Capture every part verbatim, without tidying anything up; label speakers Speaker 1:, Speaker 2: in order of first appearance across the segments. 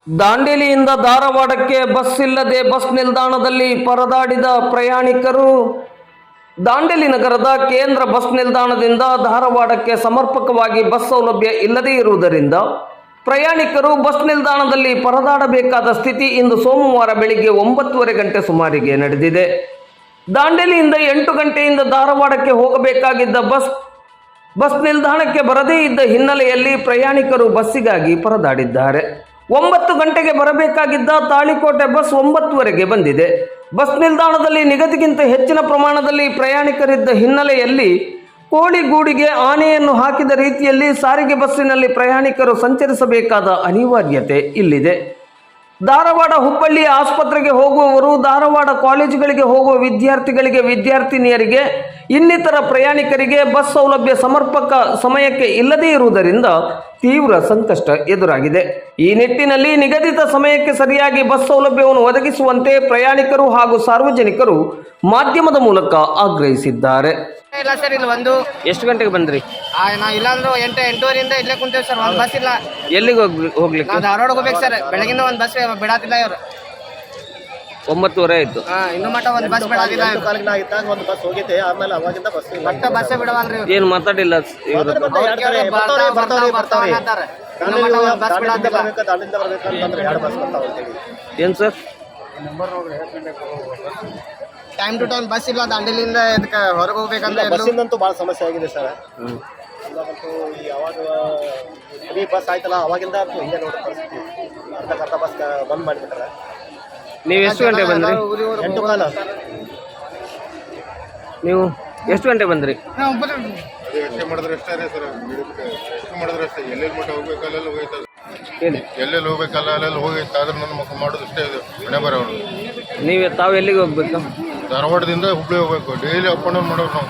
Speaker 1: ದಾಂಡೇಲಿಯಿಂದ ಧಾರವಾಡಕ್ಕೆ ಬಸ್ ಇಲ್ಲದೆ ಬಸ್ ನಿಲ್ದಾಣದಲ್ಲಿ ಪರದಾಡಿದ ಪ್ರಯಾಣಿಕರು. ದಾಂಡೇಲಿ ನಗರದ ಕೇಂದ್ರ ಬಸ್ ನಿಲ್ದಾಣದಿಂದ ಧಾರವಾಡಕ್ಕೆ ಸಮರ್ಪಕವಾಗಿ ಬಸ್ ಸೌಲಭ್ಯ ಇಲ್ಲದೇ ಇರುವುದರಿಂದ ಪ್ರಯಾಣಿಕರು ಬಸ್ ನಿಲ್ದಾಣದಲ್ಲಿ ಪರದಾಡಬೇಕಾದ ಸ್ಥಿತಿ ಇಂದು ಸೋಮವಾರ ಬೆಳಿಗ್ಗೆ ಒಂಬತ್ತುವರೆ ಗಂಟೆ ಸುಮಾರಿಗೆ ನಡೆದಿದೆ. ದಾಂಡೇಲಿಯಿಂದ ಎಂಟು ಗಂಟೆಯಿಂದ ಧಾರವಾಡಕ್ಕೆ ಹೋಗಬೇಕಾಗಿದ್ದ ಬಸ್ ಬಸ್ ನಿಲ್ದಾಣಕ್ಕೆ ಬರದೇ ಇದ್ದ ಹಿನ್ನೆಲೆಯಲ್ಲಿ ಪ್ರಯಾಣಿಕರು ಬಸ್ಸಿಗಾಗಿ ಪರದಾಡಿದ್ದಾರೆ. ಒಂಬತ್ತು ಗಂಟೆಗೆ ಬರಬೇಕಾಗಿದ್ದ ತಾಳಿಕೋಟೆ ಬಸ್ ಒಂಬತ್ತುವರೆಗೆ ಬಂದಿದೆ. ಬಸ್ ನಿಲ್ದಾಣದಲ್ಲಿ ನಿಗದಿಗಿಂತ ಹೆಚ್ಚಿನ ಪ್ರಮಾಣದಲ್ಲಿ ಪ್ರಯಾಣಿಕರಿದ್ದ ಹಿನ್ನೆಲೆಯಲ್ಲಿ ಕೋಳಿಗೂಡಿಗೆ ಆನೆಯನ್ನು ಹಾಕಿದ ರೀತಿಯಲ್ಲಿ ಸಾರಿಗೆ ಬಸ್ಸಿನಲ್ಲಿ ಪ್ರಯಾಣಿಕರು ಸಂಚರಿಸಬೇಕಾದ ಅನಿವಾರ್ಯತೆ ಇಲ್ಲಿದೆ. ಧಾರವಾಡ ಹುಬ್ಬಳ್ಳಿ ಆಸ್ಪತ್ರೆಗೆ ಹೋಗುವವರು, ಧಾರವಾಡ ಕಾಲೇಜುಗಳಿಗೆ ಹೋಗುವ ವಿದ್ಯಾರ್ಥಿಗಳಿಗೆ, ವಿದ್ಯಾರ್ಥಿನಿಯರಿಗೆ, ಇನ್ನಿತರ ಪ್ರಯಾಣಿಕರಿಗೆ ಬಸ್ ಸೌಲಭ್ಯ ಸಮರ್ಪಕ ಸಮಯಕ್ಕೆ ಇಲ್ಲದೇ ಇರುವುದರಿಂದ ತೀವ್ರ ಸಂಕಷ್ಟ ಎದುರಾಗಿದೆ. ಈ ನಿಟ್ಟಿನಲ್ಲಿ ನಿಗದಿತ ಸಮಯಕ್ಕೆ ಸರಿಯಾಗಿ ಬಸ್ ಸೌಲಭ್ಯವನ್ನು ಒದಗಿಸುವಂತೆ ಪ್ರಯಾಣಿಕರು ಹಾಗೂ ಸಾರ್ವಜನಿಕರು ಮಾಧ್ಯಮದ ಮೂಲಕ ಆಗ್ರಹಿಸಿದ್ದಾರೆ.
Speaker 2: ಇಲ್ಲ ಸರ್, ಇಲ್ಲಿ ಒಂದು
Speaker 1: ಎಷ್ಟು ಗಂಟೆಗೆ ಬಂದ್ರಿ?
Speaker 2: ನಾವು ಇಲ್ಲಾಂದ್ರೆ ಎಂಟು ಎಂಟೂವರೆಯಿಂದ ಇಲ್ಲೇ ಕುಂತೇವೆ ಸರ್. ಒಂದು ಬಸ್ ಇಲ್ಲ.
Speaker 1: ಎಲ್ಲಿಗೆ ಹೋಗ್ಲಿ ಹೋಗ್ಲಿಕ್ಕೆ
Speaker 2: ನಾವು ಧಾರವಾಡ ಹೋಗ್ಬೇಕು ಸರ್. ಬೆಳಗಿಂದ ಒಂದು ಬಸ್ ಬಿಡಾತಿಲ್ಲ ಇವರು.
Speaker 1: ಒಂಬತ್ತುವರೆ ಆಯ್ತು.
Speaker 2: ಇನ್ನು ಮಟ್ಟ ಒಂದು ಬಸ್ ಬಿಡಾತಿಲ್ಲ.
Speaker 3: ಒಂದು ಬಸ್ ಹೋಗಿದೆ, ಆಮೇಲೆ ಅವಾಗಿಂದ ಬಸ್
Speaker 2: ಮಟ್ಟ ಬಸ್ಸೇ ಬಿಡವಲ್ರಿ.
Speaker 1: ಏನು ಮಾತಾಡಿಲ್ಲ ಇವರು? ಏನು sir?
Speaker 2: Time to time bus ಇಲ್ಲ. ದಾಂಡೇಲಿಯಿಂದ ಇದಕ್ಕೆ ಹೊರಗೆ ಹೋಗ್ಬೇಕಂದ್ರೆ
Speaker 3: ಬಸ್ಸಿಂದಂತೂ ಭಾಳ ಸಮಸ್ಯೆ ಆಗಿದೆ ಸರ್. ಇವಾಗಂತೂ ಈ ಯಾವಾಗ ಫ್ರೀ ಬಸ್ ಆಯ್ತಲ್ಲ ಅವಾಗಿಂದ ಅಂತೂ ಹಿಂಗೆ ನೋಡಿ ಪರಿಸ್ಥಿತಿ. ಅರ್ಧ ಅರ್ಧ ಬಸ್ ಬಂದ್ ಮಾಡಿಬಿಟ್ರೆ.
Speaker 1: ನೀವು ಎಷ್ಟು ಗಂಟೆ ಬಂದ್ರಿ?
Speaker 3: ಎಂಟು ಕಾಲ.
Speaker 1: ನೀವು ಎಷ್ಟು ಗಂಟೆ ಬಂದ್ರಿ?
Speaker 4: ಎಷ್ಟು ಮಾಡಿದ್ರೆ ಅಷ್ಟೇ ರೀ ಸರ್. ಎಷ್ಟು ಮಾಡಿದ್ರೆ ಅಷ್ಟೇ. ಎಲ್ಲೆಲ್ಲಿ ಮಟ್ಟ ಹೋಗ್ಬೇಕಲ್ಲ ಹೋಗೈತದ.
Speaker 1: ಹೇಳಿ.
Speaker 4: ಎಲ್ಲೆಲ್ಲಿ ಹೋಗ್ಬೇಕಲ್ಲ ಅಲ್ಲೆಲ್ಲ ಹೋಗೈತೆ. ಆದ್ರೆ ನನ್ನ ಮಕ್ಕ ಮಾಡೋದು ಅಷ್ಟೇ ಇದು ಮನೆ ಬರೋರು.
Speaker 1: ನೀವು ತಾವು ಎಲ್ಲಿಗೆ ಹೋಗ್ಬೇಕು?
Speaker 4: ಧಾರವಾಡದಿಂದ ಹುಬ್ಬಳ್ಳಿ ಹೋಗ್ಬೇಕು. ಡೈಲಿ ಅಪ್ ಆ್ಯಂಡ್ ಡೌನ್ ಮಾಡೋರು ನಾವು.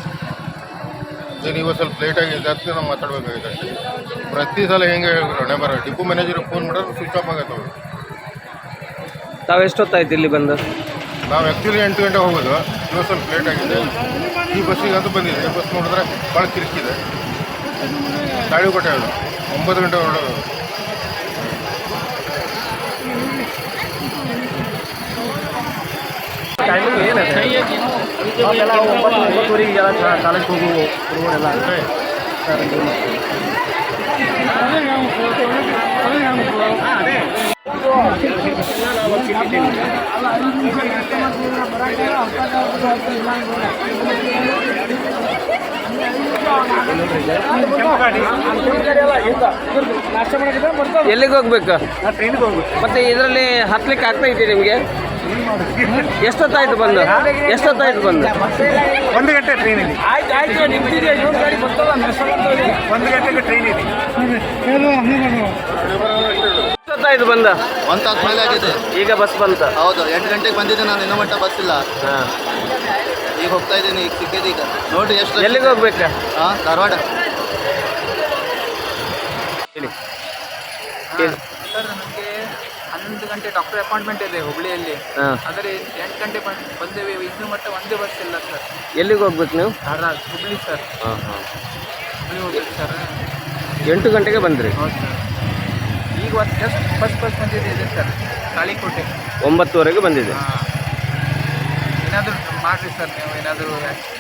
Speaker 4: ಏನು ಇವತ್ತು ಸ್ವಲ್ಪ ಲೇಟ್ ಆಗಿದೆ, ಅದಕ್ಕೆ ನಾವು ಮಾತಾಡ್ಬೇಕಾಗಿದೆ ಅಷ್ಟೇ. ಪ್ರತಿ ಸಲ ಹೆಂಗೆ ಹೇಳಿದ್ರು ಹಣೆ ಬರೋ. ಡಿಪೋ ಮ್ಯಾನೇಜರ್ಗೆ ಫೋನ್ ಮಾಡಿದ್ರೆ ಸ್ವಿಚ್ ಆಫ್ ಆಗತ್ತೆ ಅವ್ರು.
Speaker 1: ತಾವು ಎಷ್ಟೊತ್ತಾಯ್ತು ಇಲ್ಲಿ ಬಂದು?
Speaker 4: ನಾವು ಆ್ಯಕ್ಚುಲಿ ಎಂಟು ಗಂಟೆ ಹೋಗೋದು. ಇವತ್ತು ಸ್ವಲ್ಪ ಲೇಟ್ ಆಗಿದೆ. ಈ ಬಸ್ಸಿಗೆ ಅಂತೂ ಬಂದಿದೆ. ಬಸ್ ನೋಡಿದ್ರೆ ಭಾಳ ಕಿರಿಕಿದೆ. ತಾಳಿಕೋಟೆ ಅದು ಒಂಬತ್ತು ಗಂಟೆ ಹೊರಡೋದು.
Speaker 3: ಟೈಮಿಂಗ್ ಏನಿದೆ? ನಾವೆಲ್ಲ ಒಂಬತ್ತು ಒಂಬತ್ತುವರೆಗೆ ಕಾಲೇಜ್ಗೆ ಹೋಗು ಹುಡುಗರೆಲ್ಲ ಸರ್.
Speaker 1: ಎಲ್ಲಿಗೆ ಹೋಗ್ಬೇಕು?
Speaker 3: ಟ್ರೈನಿಗೆ ಹೋಗ್ಬೇಕು.
Speaker 1: ಮತ್ತೆ ಇದರಲ್ಲಿ ಹತ್ಲಿಕ್ಕೆ ಆಗ್ತಾ ಇದೆ ನಿಮಗೆ? ಎಷ್ಟೊತ್ತಾಯ್ತು ಬಂದು? ಎಷ್ಟೊತ್ತಾಯ್ತು ಬಂದು?
Speaker 3: ಒಂದು ಗಂಟೆ ಟ್ರೈನ್ ಇದೆ. ಒಂದು ಗಂಟೆಗೆ ಟ್ರೈನ್ ಇದೆ.
Speaker 1: ಎಷ್ಟೊತ್ತಾಯ್ತು ಬಂದ?
Speaker 5: ಒಂದು ತಾಸು ಮೇಲೆ ಆಗಿದೆ.
Speaker 1: ಈಗ ಬಸ್ ಬಂತ?
Speaker 5: ಹೌದು, ಎಂಟು ಗಂಟೆಗೆ ಬಂದಿದ್ದೆ ನಾನು. ಇನ್ನೂ ಮಟ್ಟ ಬಸ್ ಇಲ್ಲ.
Speaker 1: ಹಾಂ,
Speaker 5: ಈಗ ಹೋಗ್ತಾ ಇದ್ದೀನಿ. ಈಗ ಸಿಕ್ಕಿದೆ. ಈಗ ನೋಡಿರಿ ಎಷ್ಟು.
Speaker 1: ಎಲ್ಲಿಗೆ ಹೋಗ್ಬೇಕಾ?
Speaker 5: ಹಾಂ, ಧಾರವಾಡ.
Speaker 1: ಹೇಳಿ.
Speaker 6: ಸರ್, ನನಗೆ ಹನ್ನೊಂದು ಗಂಟೆ ಡಾಕ್ಟರ್ ಅಪಾಯಿಂಟ್ಮೆಂಟ್ ಇದೆ ಹುಬ್ಳಿಯಲ್ಲಿ.
Speaker 1: ಹಾಂ,
Speaker 6: ಆದರೆ ಎಂಟು ಗಂಟೆ ಬಂದು ಬಂದೇವೆ. ಇನ್ನೂ ಮಟ್ಟ ಒಂದೇ ಬಸ್ ಇಲ್ಲ ಸರ್.
Speaker 1: ಎಲ್ಲಿಗೆ ಹೋಗ್ಬೇಕು ನೀವು?
Speaker 6: ಧಾರವಾಡ ಹುಬ್ಳಿ ಸರ್.
Speaker 1: ಹಾಂ ಹಾಂ,
Speaker 6: ಹುಬ್ಳಿ ಹೋಗ್ಬೇಕು ಸರ್.
Speaker 1: ಎಂಟು ಗಂಟೆಗೆ ಬಂದ್ರಿ?
Speaker 6: ಹೌದು ಸರ್. ಈಗ ಒಂದು ಜಸ್ಟ್ ಬಸ್ ಬಸ್ ಬಂದಿದೆ ಇದೆ ಸರ್, ತಾಳಿಕೋಟೆ.
Speaker 1: ಒಂಬತ್ತುವರೆಗೆ ಬಂದಿದೆ.
Speaker 6: ಹಾಂ, ಏನಾದರೂ ಮಾಡಿರಿ ಸರ್. ನೀವು ಏನಾದರೂ